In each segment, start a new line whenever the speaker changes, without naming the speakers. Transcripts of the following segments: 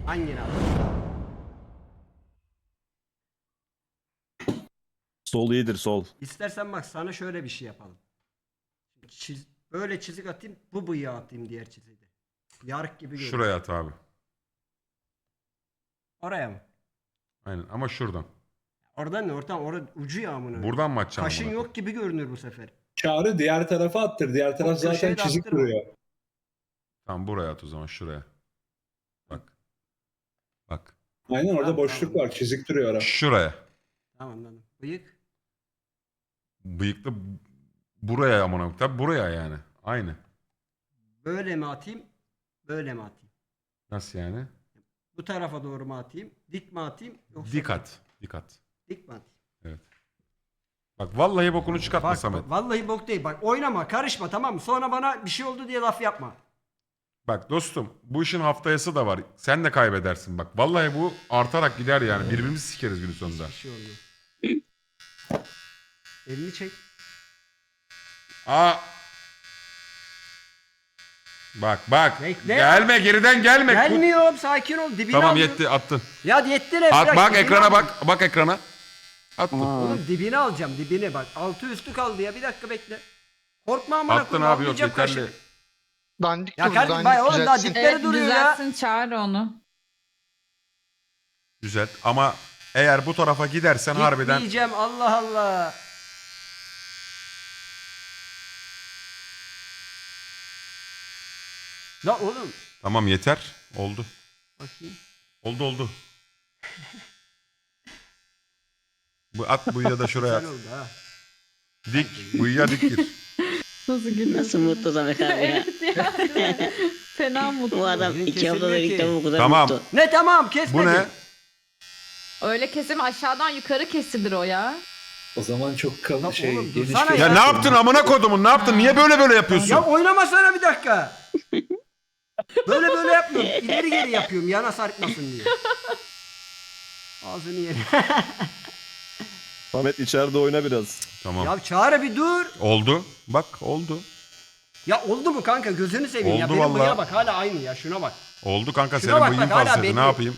Hangini al?
Sol iyidir sol.
İstersen bak sana şöyle bir şey yapalım. Böyle çizik atayım, bu bıyığa atayım diğer çiziği de. Yarık gibi görünüyor.
Şuraya at abi.
Oraya mı?
Aynen ama şuradan.
Oradan ne? Orada ucu yağmını.
Buradan mı atacaksın?
Kaşın
amına
yok gibi görünür bu sefer.
Çağrı diğer tarafa attır. Diğer taraf
köşeye
zaten
de
çizik
attırma.
duruyor.
Tamam buraya at o zaman şuraya. Bak. Bak.
Aynen orada
Tamam,
boşluk
tamam.
var. Çizik duruyor ara.
Şuraya.
Tamam anladım. Bıyık.
Bıyıklı buraya amına koyayım. Tabii buraya yani. Aynı.
Böyle mi atayım? Böyle mi atayım?
Nasıl yani?
Bu tarafa doğru mu atayım? Dik mi atayım? Yoksa
Dik at. Dik at.
Dik mi atayım?
Bak vallahi bokunu çıkartma
Bak
Samet.
vallahi bok değil. Bak oynama, karışma, tamam mı? Sonra bana bir şey oldu diye laf yapma.
Bak dostum bu işin haftayası da var. Sen de kaybedersin bak. Vallahi bu artarak gider yani. Birbirimizi sikeriz günün sonunda.
Bir şey olmuyor. Elini çek.
Aa. Bak bak.
Bekle.
Gelme geriden gelme.
Gelmiyorum, sakin ol. Dibini
Tamam
aldım.
yetti attın.
Ya yetti ne?
At
Bırak,
bak
dibini
ekrana
aldım.
bak ekrana. Attın.
Oğlum dibini alacağım, dibini bak. Altı üstü kaldı ya, bir dakika bekle. Korkma amına
Attın
koyayım,
abi yok
almayacağım
yeterli.
kaşık.
Dandik
Ya
durdu,
kardeşim
dandik
oğlum daha
düzeltsin.
dipleri
Evet
duruyor ya.
düzeltsin çağır onu.
Güzel ama eğer bu tarafa gidersen harbiden
Gitmeyeceğim, Allah Allah. La oğlum.
tamam yeter. Oldu.
Bakayım.
Oldu. Bu at bıyığı da şuraya at.
Güzel oldu ha.
Dik bıyığa dik gir.
Nasıl gülüyorsun?
Nasıl mutlu Samet abi ya.
Evet ya. Fena mutlu.
Bu adam
Bugün
2 haftada
kesilmiyor
ilk
ki.
defa bu kadar
Tamam.
mutlu.
Ne tamam kesmedi.
Bu ne?
Öyle kesim aşağıdan yukarı kesilir o ya.
O zaman çok
Lan
kalın şey
oğlum,
geniş
dursana
bir-
Ya ne yaptın amına kodumun ne yaptın? Niye böyle yapıyorsun?
Ya oynamasana bir dakika. Böyle yapmıyorum. İleri geri yapıyorum yana sarkmasın diye. Ağzını yerim.
Samet içeride oyna biraz.
Tamam.
Ya Çağrı bir dur.
Oldu. Bak oldu.
Ya oldu mu kanka, gözünü seveyim ya.
Oldu
Benim
vallahi.
bıyığa bak hala aynı ya, şuna bak.
Oldu kanka
Şuna
senin
bak,
bıyığın
bak, hala
fazlaydı.
belli.
Ne yapayım?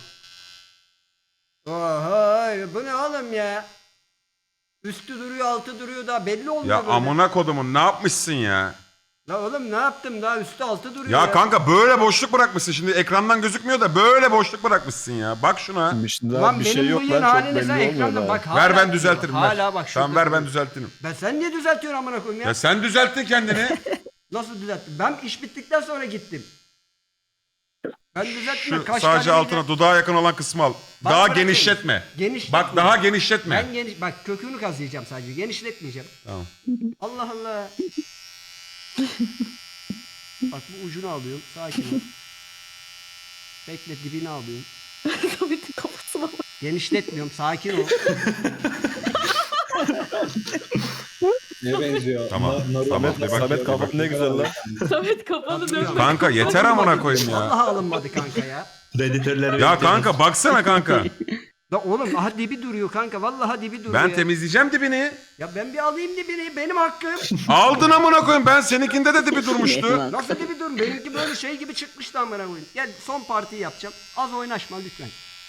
Oha bu ne oğlum ya. Üstü duruyor altı duruyor, daha belli olmuyor
Ya
böyle.
amına kodumun ne yapmışsın ya?
La oğlum ne yaptım, daha üstü altı duruyor
Ya kanka böyle boşluk bırakmışsın. Şimdi ekrandan gözükmüyor da böyle boşluk bırakmışsın ya. Bak şuna.
Şimdi daha
Ulan
bir
benim
şey yok
bıyığın
lan çok
halini
belli
sen
olmuyor
ekranda
daha.
bak hala.
Ver ben
duruyor.
düzeltirim.
Hala bak şurada
Tamam ver ben
duruyor.
düzeltirim.
Ben sen niye düzeltiyorsun amına koyayım ya?
Ya sen düzelttin kendini.
Nasıl düzelttim? Ben iş bittikten sonra gittim. Ben düzelttim.
Şu sadece altına dudağa yakın olan kısmı al.
Bana
Daha
bırakın.
genişletme.
Genişletme.
Bak daha genişletme.
Ben bak kökünü kazıyacağım sadece. Genişletmeyeceğim.
Tamam.
Allah Allah. Bak bu ucunu alıyorum. Sakin ol. Bekle, dibini alıyorum.
Samet'in kafasına bak.
Genişletmiyorum. Sakin ol.
Neye benziyor?
Tamam.
Naruto.
Tamam.
Samet,
Bak,
Samet
bak.
kafan ne güzel lan.
Samet kafanı dönme.
Kanka yeter amına koyayım ya.
Vallahi alınmadı kanka ya.
Predatörleri
Ya kanka baksana kanka.
La oğlum aha dibi duruyor kanka. Vallahi dibi duruyor
Ben
ya.
temizleyeceğim dibini.
Ya ben bir alayım dibini. Benim hakkım.
Aldın amına koyayım. Ben seninkinde de dibi durmuştu.
Nasıl dibi dur? Benimki böyle şey gibi çıkmıştı amına koyayım. Gel son partiyi yapacağım. Az oynaşma lütfen.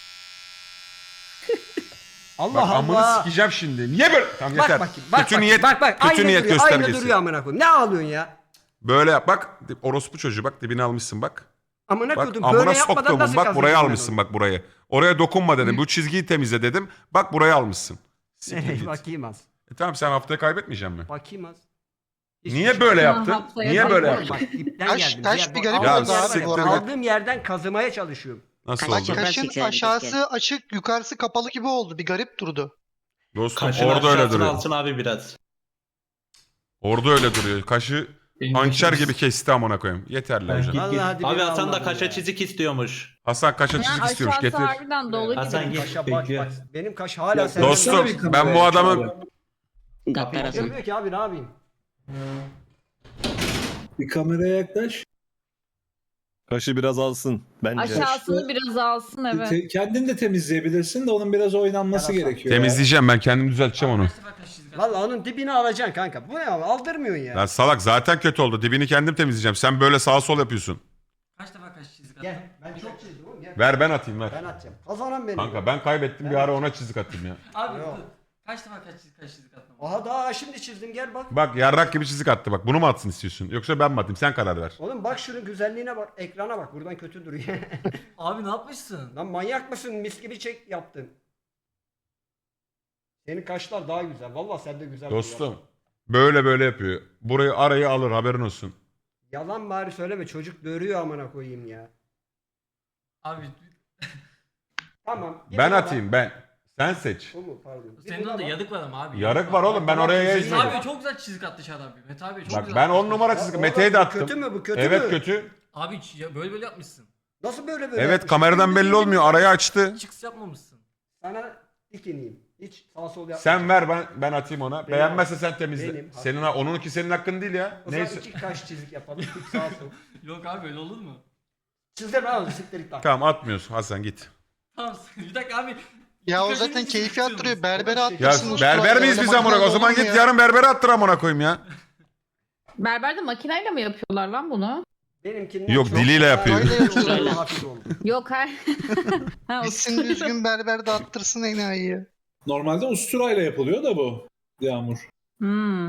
Allah
Bak amını
Allah.
sikeceğim şimdi. Niye böyle? Tamam
Bak
yeter.
bakayım. Bak,
kötü
bak,
niyet,
bak, bak.
kötü
Aynı
niyet
duruyor,
göstergesi.
Aynı duruyor amına koyayım. Ne ağlıyorsun ya?
Böyle yap bak. Orospu çocuğu bak dibini almışsın bak.
Amına
Bak
koydum.
amına
Böyle yapmadan
soktuğumun
nasıl
bak buraya
kazanacağım ben
almışsın
onu?
bak burayı. Oraya dokunma dedim. Bu çizgiyi temizle dedim. Bak buraya almışsın. Siktir
Nereye
git.
bakayım az.
Tamam sen haftaya kaybetmeyeceksin mi?
Bakayım az. Hiçbir
Niye
şey
böyle
yok.
yaptın?
haftaya
Niye böyle
Oğlum
yaptın?
bak dipten
Taş-
geldim.
taş bir garip
Ya
oldu abi
siktir
bu arada.
Aldığım yerden kazımaya çalışıyorum.
Nasıl
Kaç
oldu?
yapar?
Kaşın
Gerçekten,
aşağısı açık, yukarısı kapalı gibi oldu. Bir garip durdu.
Dostum
Kaşın
orada öyle
aşağısını
duruyor.
alsın abi biraz.
Orada öyle duruyor. Kaşı hançer gibi kesti amına koyayım. Yeterli
Ben
hocam.
git git.
Vallahi dibini
Abi Hasan da
almadım
kaşa
ya.
çizik istiyormuş.
Hasan kaşa
Ya
çizik istiyormuş.
aşağısı
Getir.
harbiden dolu gibi.
Hasan git
Kaşa bak
bekliyor.
bak. Benim kaş hala
Ya
senden.
Dostum
Baksana bir kameraya,
ben bu adamın
Çağrı.
Gaddar Hasan.
Görmüyor ki abi, ne yapayım?
Bir kameraya yaklaş.
Kaşı biraz alsın bence.
Aşağısını biraz alsın evet.
Kendin de temizleyebilirsin de onun biraz oynanması
Yarasa.
gerekiyor. ya.
temizleyeceğim ben kendim düzelteceğim onu.
Vallahi onun dibini alacaksın kanka. Bu ne abi? Aldırmıyorsun ya.
Lan salak zaten kötü oldu. Dibini kendim temizleyeceğim. Sen böyle sağa sol yapıyorsun.
Kaç defa
kaç çizik attın?
Gel. Ben çok çizdim oğlum. Gel.
Ver ben atayım ver.
Ben atacağım. Kazanan benim.
Kanka ben kaybettim bir ara ona çizik atayım ya.
Abi
Yok.
dur. Kaç defa kaç çizik attın?
Aha daha şimdi çizdim gel bak.
Bak yarrak gibi çizik attı bak. Bunu mu atsın istiyorsun? Yoksa ben mi atayım? Sen karar ver.
Oğlum bak şunun güzelliğine bak. Ekrana bak. Buradan kötü duruyor.
Abi ne yapmışsın?
Lan manyak mısın? Mis gibi çek yaptın. Senin kaşlar daha güzel. Vallahi sen de güzel.
Dostum böyle böyle yapıyor. Burayı arayı alır haberin olsun.
Yalan bari söyleme. Çocuk dörüyor amına koyayım ya.
Abi
Tamam. git
Ben
buna
atayım ben. Sen seç.
bak. Bu mu? Pardon. Bir
senin
buna
orada
bak.
yadık var ama abi.
Yarık var oğlum ben oraya
Mete
yazmadım.
abi çok güzel çizik attı Şadan abi. Mete abi çok
Bak
güzel
ben
atmış.
10 numara
Ya
çizik.
oğlum,
Mete'ye de
bu
attım.
Kötü mü bu? Kötü
Evet
mü?
kötü.
Abi böyle böyle yapmışsın.
Nasıl böyle böyle?
Evet
yapmışsın?
kameradan belli olmuyor. Arayı açtı.
Çıks yapmamışsın.
Sana dik ineyim. Hiç sağ sol yapma.
Sen ver ben atayım ona.
Benim
Beğenmezse sen temizle.
benim.
Senin onunki senin hakkın değil ya.
O zaman
Neyse.
iki kaş çizik yapalım. İki sağ sol.
Yok abi öyle olur mu?
Çizdirme abi siktir bak.
Tamam atmıyorsun Hasan git.
Tamam bir dakika abi.
Ya o
İlk
zaten
önce
keyfi
çiziyoruz.
attırıyor. Berbere
Ya
attırsın.
berber miyiz biz amına? O zaman git yarın berbere attır amına koyayım ya.
Berberde makineyle mi yapıyorlar lan bunu?
Benimkinden
Yok,
çok
diliyle
daha
yapıyor.
iyi oldu,
Şöyle.
hafif oldu.
Yok hayır. Ha, o-
Gitsin düzgün berber de attırsın enayiyi.
Normalde usturayla yapılıyor da bu. Yağmur.
Hmm.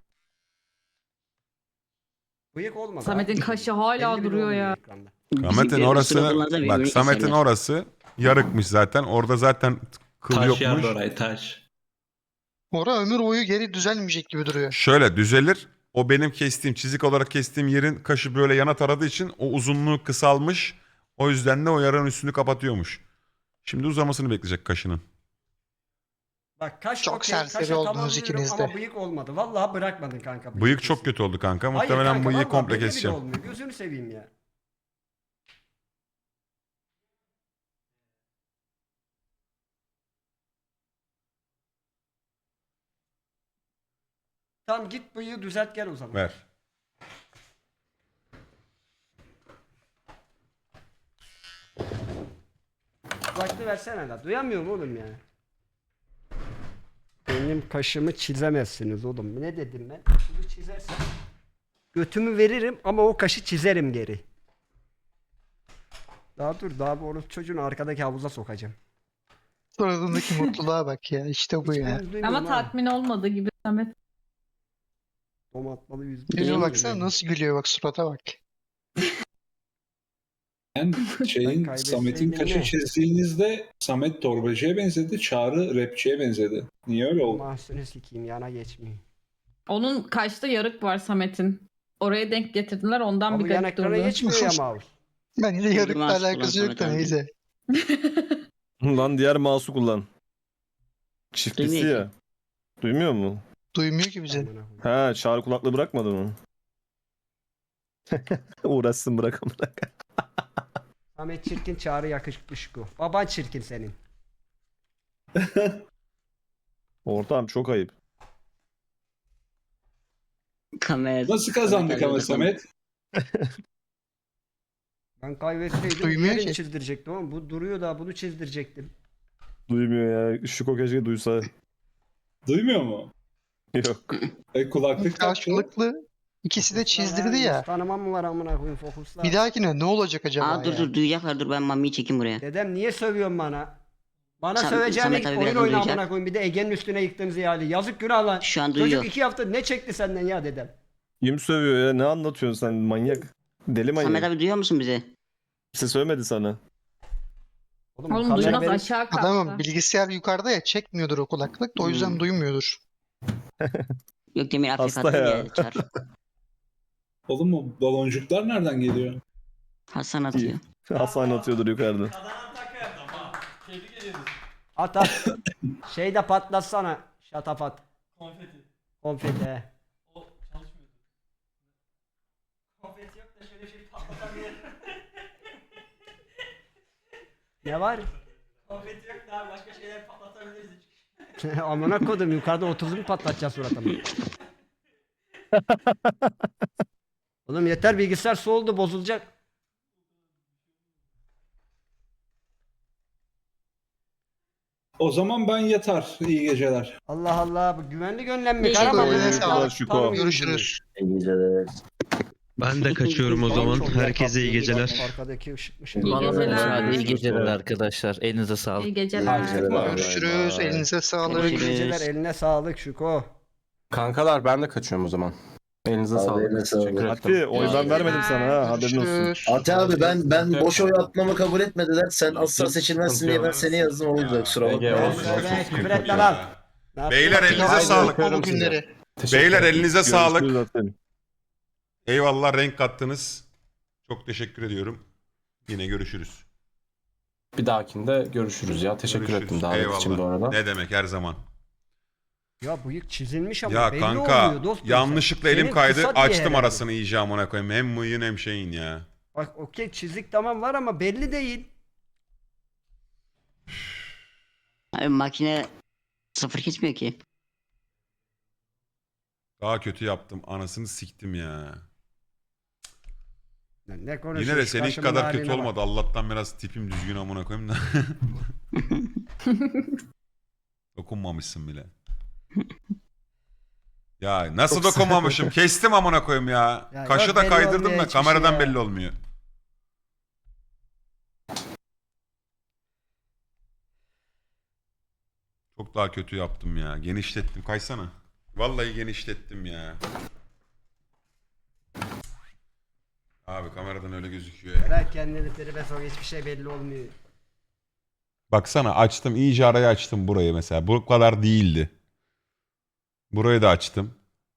Bıyık olmadı.
Samet'in
abi.
kaşı hala
Belli bile
duruyor
olmuyor
ya.
ekranda.
Samet'in orası bak Samet'in orası yarıkmış zaten. Orada zaten kıl
Taş
yokmuş.
yardı orayı taş.
Ora ömür boyu geri düzelmeyecek gibi duruyor.
Şöyle düzelir. O benim kestiğim çizik olarak kestiğim yerin kaşı böyle yana taradığı için o uzunluğu kısalmış. O yüzden de o yaranın üstünü kapatıyormuş. Şimdi uzamasını bekleyecek kaşının.
Bak kaş
Çok
okey,
serseri
kaşa
oldunuz
tamamlıyorum
ikiniz de.
Ama bıyık olmadı. Vallahi bırakmadın kanka.
Bıyık çok kötü oldu kanka.
Hayır
Muhtemelen
kanka,
bıyığı
vallahi
komple
belli bile
keseceğim.
olmuyor. Gözünü seveyim ya. Tamam git bıyığı düzelt gel o zaman.
Ver.
Kulaklığı versene la. Duyamıyorum oğlum ya. Benim kaşımı çizemezsiniz oğlum. Ne dedim ben? Kaşımı çizersen götümü veririm ama o kaşı çizerim geri. Daha dur daha bu oğlum çocuğunu arkadaki havuza sokacağım.
Suratındaki mutluluğa bak ya. İşte bu ya.
Hiçbiriniz duymuyorum
Ama
ha.
tatmin olmadı gibi Samet.
Domatmalı yüz.
Yüzüne baksana nasıl gülüyor bak surata bak.
Ben
Ben
şeyin
kaybetseydim
Samet'in kaşı
ne?
çizdiğinizde Samet torbacıya benzedi, Çağrı rapçiye benzedi. Niye öyle oldu?
Mahsunu sikeyim yana geçmeyeyim.
Onun kaşta yarık var Samet'in. Oraya denk getirdiler ondan
Ama
bir
bu yan
garip
ekrana
durdu.
geçmiyor ya mouse.
Bence yarıkla
Mask
alakası
kullan
yok da
Samet abi.
neyse.
Lan diğer mouse'u kullan. Çiftisi
Duymuyor
ya. Duymuyor mu?
Duymuyor ki bizi.
Amına koyayım.
Ha çağrı kulaklığı bırakmadın mı? Uğraşsın bırak amına.
Samet çirkin Çağrı yakışıklı şıko. Baban çirkin senin.
Ortam çok ayıp.
Kamera.
Nasıl kazandık ama Samet?
Ben kaybetseydim
Duymuyor
diğerini
ki.
çizdirecektim ama bu duruyor da bunu çizdirecektim.
Duymuyor ya. Şuko keşke duysa.
Duymuyor mu?
Yok.
Kulaklık taktı.
Karşılıklı ikisi de çizdirdi ya.
Tanımam mı var amına koyayım fokusla.
Bir dahakine ne olacak acaba
Aa dur
ya?
dur duyacaklar dur ben Mami'yi çekeyim buraya.
Dedem niye sövüyorsun bana? Bana
Sam-
söveceğine
Samet
git
abi
oyun
birazdan
oyna
duyacak.
amına koyayım. Bir de Ege'nin üstüne yıktığımız ihale. Yazık günah lan.
Şu an
Çocuk
duyuyor.
2 hafta ne çekti senden ya dedem?
Kim sövüyor ya? Ne anlatıyorsun sen manyak? Deli manyak.
Samet abi duyuyor musun bizi?
Kimse söylemedi sana.
Oğlum, bu
Oğlum
kamera
duymaz
benim-
aşağı kalktı.
Adamım bilgisayar yukarıda ya çekmiyordur o kulaklık da o yüzden duymuyordur.
Yok Demir Afrika
Hasta
attı
ya.
ya. Çar.
Oğlum o baloncuklar nereden geliyor?
Hasan atıyor.
Hasan atıyordur yukarıda.
Kazanan taka yaptı ama. Tebrik ediyoruz.
At at. Şeyde patlatsana. Şatafat.
Konfeti.
Konfeti he.
O çalışmıyordu. Konfeti yok da şöyle bir şey patlatabilir.
Ne var?
Konfeti yok da abi başka şeyler patlatabiliriz.
Amına kodum yukarıda 30'u mu patlatacağız suratımı? Oğlum yeter bilgisayar soğudu bozulacak.
O zaman ben yatar. İyi geceler.
Allah Allah bu güvenli gönlem mi?
İyi
Karaman
geceler.
mı?
Sağ ol.
Tanımıyorum
Görüşürüz.
İyi geceler. Ben de kaçıyorum o
Çok yer
Herkese iyi
kaplıyor.
geceler.
Bak, arkadaki ışıkmış.
İyi geceler.
İyi geceler arkadaşlar. Elinize sağlık.
İyi geceler.
Görüşürüz. Elinize sağlık.
İyi geceler, eline sağlık Şuko.
Kankalar ben de kaçıyorum o zaman. Elinize sağlık. Teşekkür ederim.
Ati oy ben vermedim sana ha haberin olsun.
Görüşürüz.
Ati abi ben boş oy atmamı kabul etmediler. Sen asla seçilmezsin diye ben seni yazdım. O yüzden kusura bakma.
Evet, küfür etme lan. Ne yaptın?
Beyler elinize
Haydi,
sağlık.
o günleri.
Beyler elinize sağlık.
Görüşürüz Ati.
Eyvallah renk kattınız. Çok teşekkür ediyorum. Yine görüşürüz.
Bir dahakinde görüşürüz ya. Teşekkür
Görüşürüz.
ettim davet için bu arada.
Ne demek her zaman.
Ya bıyık çizilmiş ama
Ya
belli
kanka
olmuyor dostum.
yanlışlıkla
Senin
elim kaydı
kısa diye
açtım
herhalde.
arasını iyice amına koyayım. Hem mıyın hem şeyin ya.
Bak okey çizik tamam var ama belli değil.
Abi makine sıfır kesmiyor ki.
Daha kötü yaptım anasını siktim ya.
Ne konuşuyorsun?
Yine de seninki
Kaşımın
kadar kötü
haline bak.
olmadı. Allah'tan biraz tipim düzgün amına koyayım da. Dokunmamışsın bile. Ya nasıl dokunmamışım? Kestim amına koyayım ya.
Ya
Kaşı
yok,
da
belli
kaydırdım
olmuyor
da
hiçbir şey
kameradan
ya.
belli olmuyor. Çok daha kötü yaptım ya. Genişlettim. Kaysana. Vallahi genişlettim ya. Abi kameradan öyle gözüküyor ya.
Bırak kendini tribe sok hiçbir şey belli olmuyor.
Baksana açtım. İyice arayı açtım burayı mesela. Bu kadar değildi. Burayı da açtım.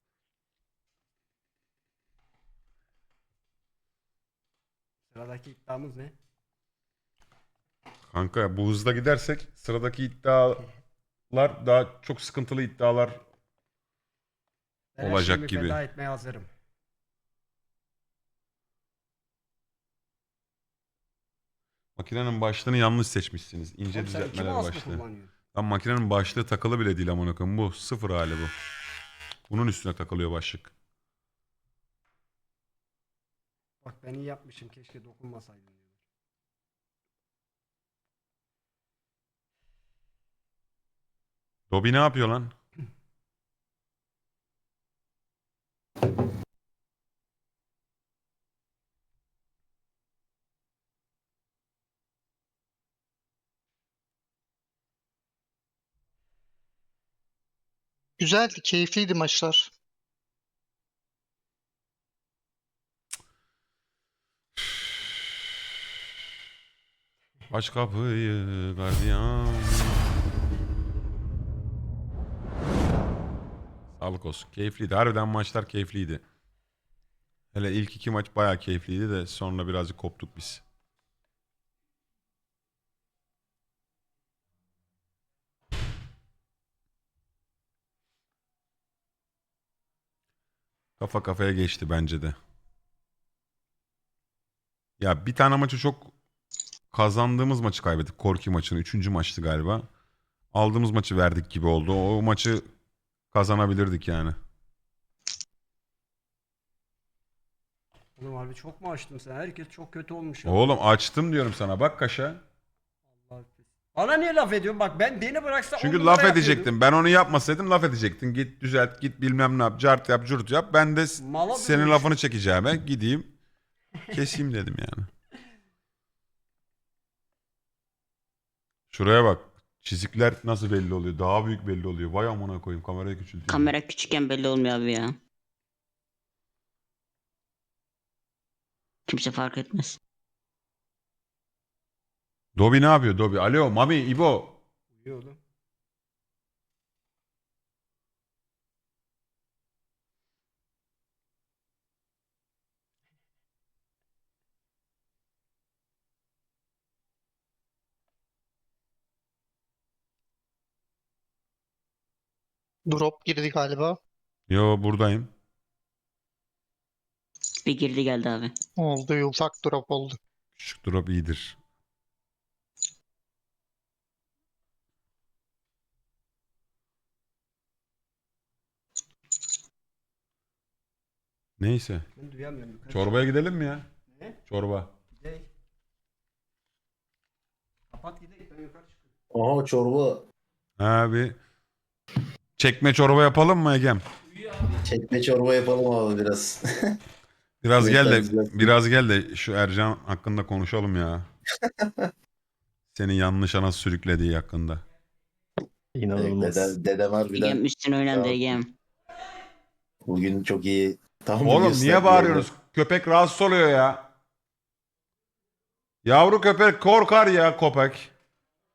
Sıradaki iddiamız ne?
Kanka bu hızla gidersek sıradaki iddialar daha çok sıkıntılı iddialar
Ben her
olacak
şeyimi
gibi.
feda etmeye hazırım.
Makinenin başlığını yanlış seçmişsiniz. İnce
Oğlum sen iki
düzeltmeler
mouse mu
başlığı.
kullanıyorsun?
Lan makinenin başlığı takılı bile değil amına koyayım. Bu sıfır hali bu. Bunun üstüne takılıyor başlık.
Bak ben iyi yapmışım keşke dokunmasaydım. diyor.
Dobby ne yapıyor lan?
Güzeldi, keyifliydi maçlar.
Aç kapıyı gardiyan. Sağlık olsun. Keyifliydi. Harbiden maçlar keyifliydi. Hele ilk iki maç bayağı keyifliydi de sonra birazcık koptuk biz. Kafa kafaya geçti bence de. Ya bir tane maçı çok kazandığımız maçı kaybettik. Korki maçını. 3. maçtı galiba. Aldığımız maçı verdik gibi oldu. O maçı kazanabilirdik yani.
Oğlum harbi çok mu açtım sen? Herkes çok kötü olmuş ya.
Oğlum açtım diyorum sana. Bak kaşa.
Allah Bana niye laf ediyorsun? Bak beni bıraksa on
Çünkü
numara
laf
yapıyordum.
edecektim. Ben onu yapmasaydım laf edecektin. Git düzelt, git bilmem ne yap, cart yap, curt yap. Ben de
Mala
senin
dönmüş.
lafını çekeceğime gideyim, keseyim dedim yani. Şuraya bak. Çizikler nasıl belli oluyor? Daha büyük belli oluyor. Vay amına koyayım. Kamerayı küçülteyim.
Kamera küçükken belli olmuyor abi ya. Kimse fark etmez.
Dobi ne yapıyor Dobi? Alo Mami, İbo.
Uyuyor oğlum.
Drop girdi galiba.
Yo buradayım.
Bir girdi geldi abi.
Oldu, ufak drop oldu.
Küçük drop iyidir. Neyse.
Ben duyamıyorum. Yukarı
Çorbaya gidelim mi ya?
Ne?
Çorba.
Gidelim. Kapat gidelim ben yukarı çıkıyorum.
Aha çorba.
Abi. Çekme çorba yapalım mı Egem?
Çekme çorba yapalım abi biraz.
Biraz
Evet,
gel de
güzel.
biraz gel de şu Ercan hakkında konuşalım ya. Seni yanlış ana sürüklediği hakkında.
İnanılmaz.
Dedem harbiden
Egem üstüne oynandı
Ya.
Egem.
bugün çok iyi. Tam
Oğlum niye bağırıyorsunuz? Köpek rahatsız oluyor ya. Yavru köpek korkar ya köpek.